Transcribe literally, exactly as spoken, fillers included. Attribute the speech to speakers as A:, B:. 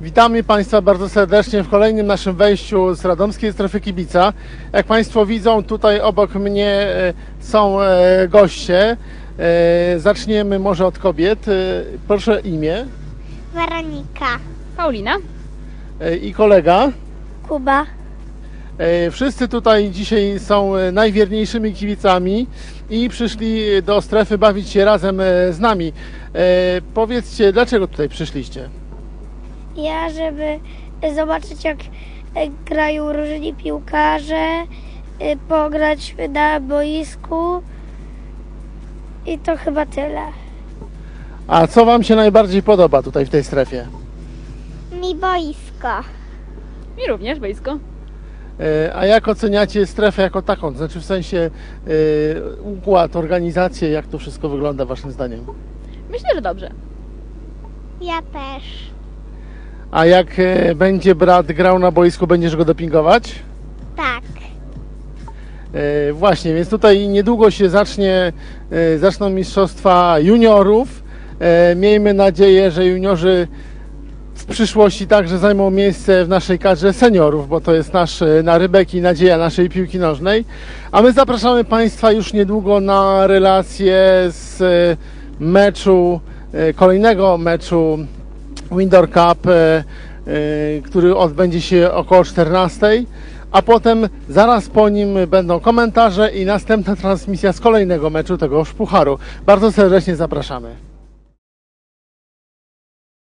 A: Witamy Państwa bardzo serdecznie w kolejnym naszym wejściu z Radomskiej Strefy Kibica. Jak Państwo widzą, tutaj obok mnie e, są e, goście. E, Zaczniemy może od kobiet. E, Proszę imię.
B: Weronika.
C: Paulina.
A: E, I kolega.
B: Kuba.
A: E, Wszyscy tutaj dzisiaj są e, najwierniejszymi kibicami i przyszli do strefy bawić się razem e, z nami. E, Powiedzcie, dlaczego tutaj przyszliście?
B: Ja, żeby zobaczyć, jak grają różni piłkarze, pograć na boisku i to chyba tyle.
A: A co Wam się najbardziej podoba tutaj w tej strefie?
B: Mi boisko.
C: Mi również boisko.
A: E, A jak oceniacie strefę jako taką? To znaczy w sensie e, układ, organizację, jak to wszystko wygląda Waszym zdaniem?
C: Myślę, że dobrze.
B: Ja też.
A: A jak e, będzie brat grał na boisku, będziesz go dopingować?
B: Tak.
A: E, Właśnie, więc tutaj niedługo się zacznie, e, zaczną mistrzostwa juniorów. E, Miejmy nadzieję, że juniorzy w przyszłości także zajmą miejsce w naszej kadrze seniorów, bo to jest nasz e, narybek i nadzieja naszej piłki nożnej. A my zapraszamy Państwa już niedługo na relację z e, meczu, e, kolejnego meczu Windoor Cup, e, e, który odbędzie się około czternastej, a potem zaraz po nim będą komentarze i następna transmisja z kolejnego meczu tegoż pucharu. Bardzo serdecznie zapraszamy.